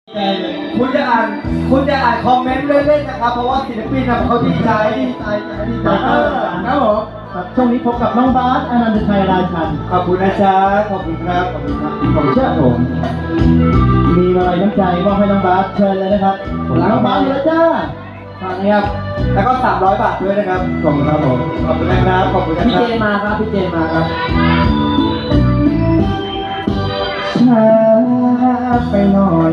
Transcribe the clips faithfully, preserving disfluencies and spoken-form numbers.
คุณจะอ่านคุณจะอ่านคอมเมนต์เล่นๆนะครับเพราะว่าศิลปินเขาดีใจดีใจดีใจครับผมช่วงนี้พบกับน้องบาสอนันตชัยราชันขอบคุณนะจ๊ะขอบคุณครับขอบคุณครับผมเชื่อผมมีอะไรน้ำใจมอบให้น้องบาสเชิญเลยนะครับน้องบาสเลยจ้าตอนนี้ครับแล้วก็สามร้อยบาทด้วยนะครับขอบคุณครับผมขอบคุณนะครับขอบคุณนะพี่ครัเจมาครับพี่เจมาครับช้าไปหน่อย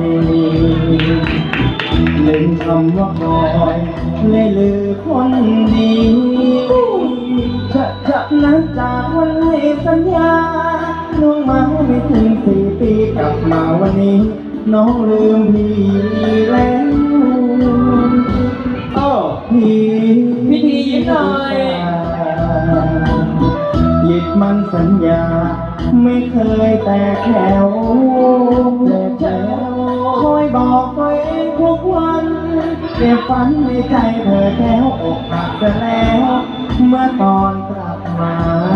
ลืมคำว่าคอยเลยลือคนดีจะจะนับจากวันให้สัญญาน้องมาไม่ถึงสี่ปีกลับมาวันนี้น้องลืมพี่แล้วโอ้พี่พี่ทียิ้มหน่อยหยิบมันสัญญาไม่เคยแตกแถวแต่แถวคอยบอกตัวเองทุกวันเก็บฝันในใจเธอแก้วอกหักจะแล้วเมื่อตอนกลับมา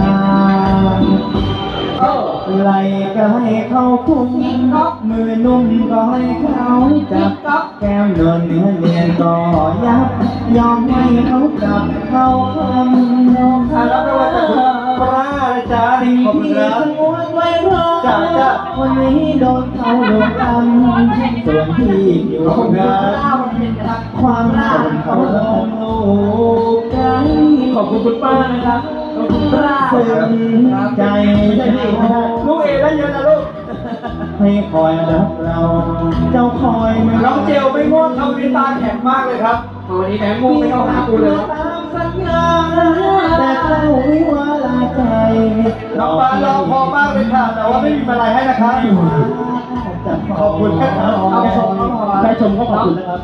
ไหลก็ให้เขาคุ้มมือนุ่มก็ให้เขาจับแก้มเนินเนื้อเนียนก็ยับยอมให้เขาจับเขาคำยอมให้แล้วไม่ว่าจะคุณปลาเลยจ้าสิ่งที่สงวนไว้รอจ้าจ้าวันนี้โดนเขาโดนกำส่วนที่อยู่งานความรักเขาลงโลกกันขอบคุณคุณป้านะครับขอบคุณป้าซึ้งใจลูกเอได้เยอะนะลูกให้คอยรักเราเจ้าคอยมาน้องเจลไม่ง่วงเขาวิตาแข็งมากเลยครับวันนี้แม่ง่วงไม่เข้าหากูเลยตามสัญญาแต่เจ้าวิวาลาใจน้องปานเราพอมากเลยค่ะแต่ว่าไม่มีอะไรให้นะครับขอบคุณครับเอาชมได้ชมก็ขอบคุณนะครับ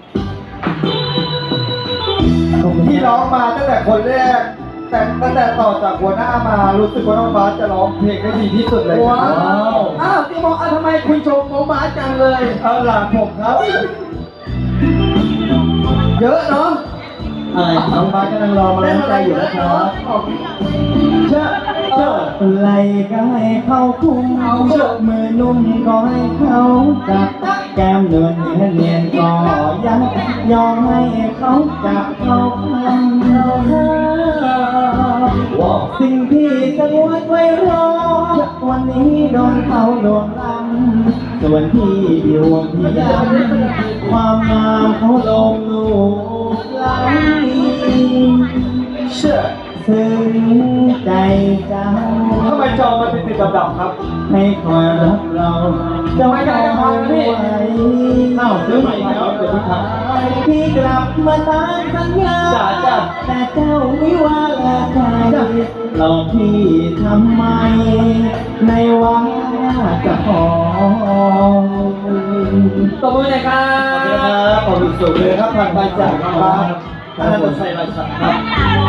ที่ร้องมาตั้งแต่คนแรกแต่ตั้งแต่ต่อจากหัวหน้ามารู้สึกว่าน้องบาสจะร้องเพลงได้ดีที่สุดเลยว้าวอ้าวที่บอกทำไมคุณชมน้องบาสจังเลยเออหลานผมครับเยอะเนาะอะไรน้องบาสกำลังรอมาแล้วใจอยู่นะครับเชื่อเชื่อไหลก็ให้เขาคุ้มมือนุ่มก็ให้เขาจับแก้มเนินเนียนเนียนก็ยับยอมให้เขาจับเขาคำเราสิ่งที่สงวนไว้รอวันนี้โดนเขาโดนลำส่วนที่ดวงที่ดำความงามเขาลงลูกไหลเชื่อซึ้งใจเจ้าทำไมจอมันเป็นติดดำๆครับให้คอยรักเราเจ้าคอยไว้เอ้าซื้อใหม่แล้วเดี๋ยวพี่ครับพี่กลับมาตามสัญญาแต่เจ้าวิวาลาใจเราพี่ทำไมในวังจะขอตบมือหน่อยครับขอบคุณครับขอบคุณสุดเลยครับผ่านไปจากน้องบาสอนันตชัยราชันครับ